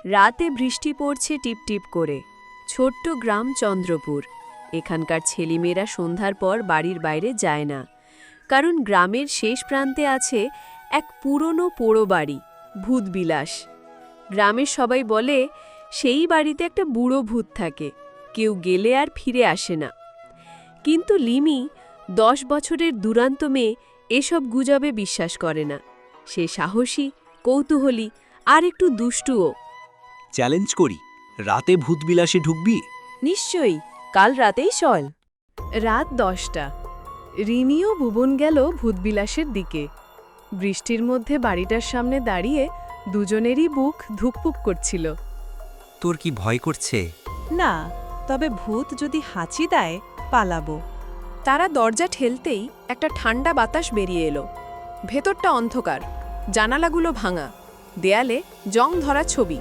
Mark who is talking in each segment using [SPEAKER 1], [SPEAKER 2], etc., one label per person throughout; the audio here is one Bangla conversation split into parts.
[SPEAKER 1] রাতে বৃষ্টি পড়ছে টিপটিপ করে। ছোট্ট গ্রাম চন্দ্রপুর। এখানকার ছেলেমেয়েরা সন্ধ্যার পর বাড়ির বাইরে যায় না, কারণ গ্রামের শেষ প্রান্তে আছে এক পুরনো পোড়ো বাড়ি, ভূতবিলাস। গ্রামের সবাই বলে সেই বাড়িতে একটা বুড়ো ভূত থাকে, কেউ গেলে আর ফিরে আসে না। কিন্তু লিমি, 10 বছরের দুরান্ত মেয়ে, এসব গুজবে বিশ্বাস করে না। সে সাহসী, কৌতূহলী আর একটু দুষ্টুও।
[SPEAKER 2] চ্যালেঞ্জ করি, রাতে ভূতবিলাসে ঢুকবি?
[SPEAKER 1] নিশ্চয়ই, কাল রাতেই চল। রাত 10টা। রিমি ও ভুবন গেল ভূতবিলাসের দিকে। বৃষ্টির মধ্যে বাড়িটার সামনে দাঁড়িয়ে দুজনেরই বুক ধুকপুক করছিল।
[SPEAKER 2] তোর কি ভয় করছে?
[SPEAKER 3] না, তবে ভূত যদি হাঁচি দেয় পালাবো।
[SPEAKER 1] তারা দরজা ঠেলতেই একটা ঠান্ডা বাতাস বেরিয়ে এলো। ভেতরটা অন্ধকার, জানালাগুলো ভাঙা, দেয়ালে জং ধরা ছবি।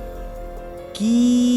[SPEAKER 2] কি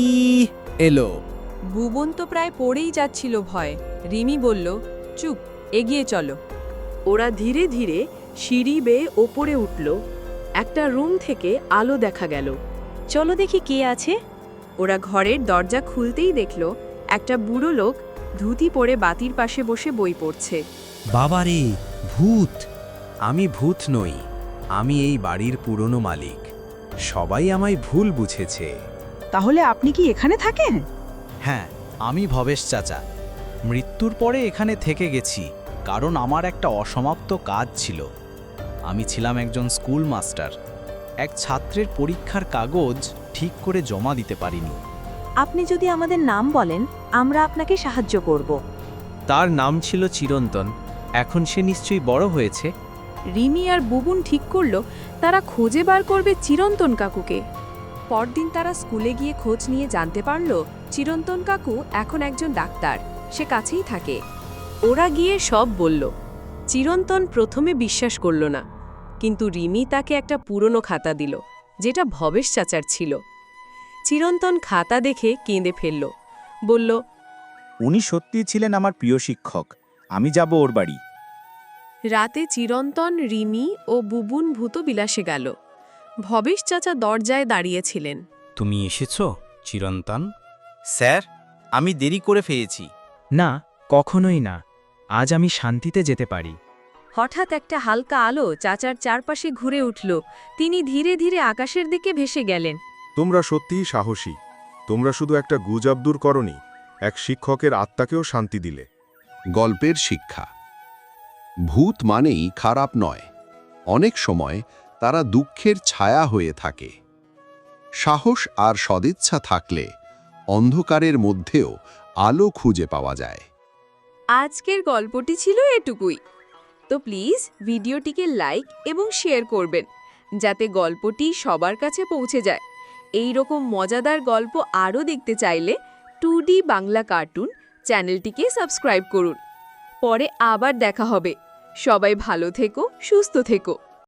[SPEAKER 2] এলো?
[SPEAKER 3] ভুবন তো প্রায় পড়েই যাচ্ছিল ভয়। রিমি বলল, চুপ, এগিয়ে চলো।
[SPEAKER 1] ওরা ধীরে ধীরে সিঁড়ি বেয়ে ওপরে উঠল। একটা রুম থেকে আলো দেখা গেল।
[SPEAKER 3] চলো দেখি কে আছে।
[SPEAKER 1] ওরা ঘরের দরজা খুলতেই দেখল একটা বুড়ো লোক ধুতি পরে বাতির পাশে বসে বই পড়ছে।
[SPEAKER 2] বাবারে, ভূত! আমি ভূত নই, আমি এই বাড়ির পুরনো মালিক। সবাই আমায় ভুল বুঝেছে।
[SPEAKER 3] তাহলে আপনি কি এখানে থাকেন?
[SPEAKER 2] হ্যাঁ, আমি ভবেশ চাচা। মৃত্যুর পরে এখানে থেকে গেছি, কারণ আমার একটা অসমাপ্ত কাজ ছিল। আমি ছিলাম একজন স্কুল মাস্টার। এক ছাত্রের পরীক্ষার কাগজ ঠিক করে জমা দিতে পারিনি।
[SPEAKER 3] আপনি যদি আমাদের নাম বলেন, আমরা আপনাকে সাহায্য করব।
[SPEAKER 2] তার নাম ছিল চিরন্তন। এখন সে নিশ্চয়ই বড় হয়েছে।
[SPEAKER 1] রিমি আর বুবুন ঠিক করল তারা খুঁজে বার করবে চিরন্তন কাকুকে। পরদিন তারা স্কুলে গিয়ে খোঁজ নিয়ে জানতে পারল চিরন্তন কাকু এখন একজন ডাক্তার, সে কাছেই থাকে। ওরা গিয়ে সব বলল। চিরন্তন প্রথমে বিশ্বাস করল না, কিন্তু রিমি তাকে একটা পুরনো খাতা দিল, যেটা ভবেশ চাচার ছিল। চিরন্তন খাতা দেখে কেঁদে ফেলল, বলল,
[SPEAKER 4] উনি সত্যিই ছিলেন আমার প্রিয় শিক্ষক। আমি যাব ওর বাড়ি।
[SPEAKER 1] রাতে চিরন্তন, রিমি ও বুবুন ভূতবিলাসে গেল। ভবেশ চাচা দরজায় দাঁড়িয়েছিলেন।
[SPEAKER 2] তুমি এসেছ, চিরন্তন?
[SPEAKER 4] স্যার, আমি দেরি করে ফেলেছি।
[SPEAKER 5] না, কখনোই না। আজ আমি শান্তিতে যেতে পারি।
[SPEAKER 1] হঠাৎ একটা হালকা আলো চাচার চারপাশে ঘুরে উঠল। তিনি ধীরে ধীরে আকাশের দিকে ভেসে গেলেন।
[SPEAKER 6] তোমরা সত্যিই সাহসী। তোমরা শুধু একটা গুজব দূর করনি, এক শিক্ষকের আত্মাকেও শান্তি দিলে।
[SPEAKER 7] গল্পের শিক্ষা: ভূত মানেই খারাপ নয়, অনেক সময় তারা দুঃখের ছায়া হয়ে থাকে। সাহস আর সদিচ্ছা থাকলে অন্ধকারের মধ্যেও আলো খুঁজে পাওয়া যায়।
[SPEAKER 1] আজকের গল্পটি ছিল এটুকুই। তো প্লিজ ভিডিওটিকে লাইক এবং শেয়ার করবেন, যাতে গল্পটি সবার কাছে পৌঁছে যায়। এই রকম মজাদার গল্প আরও দেখতে চাইলে 2D বাংলা কার্টুন চ্যানেলটিকে সাবস্ক্রাইব করুন। পরে আবার দেখা হবে। সবাই ভালো থেকো, সুস্থ থেকো।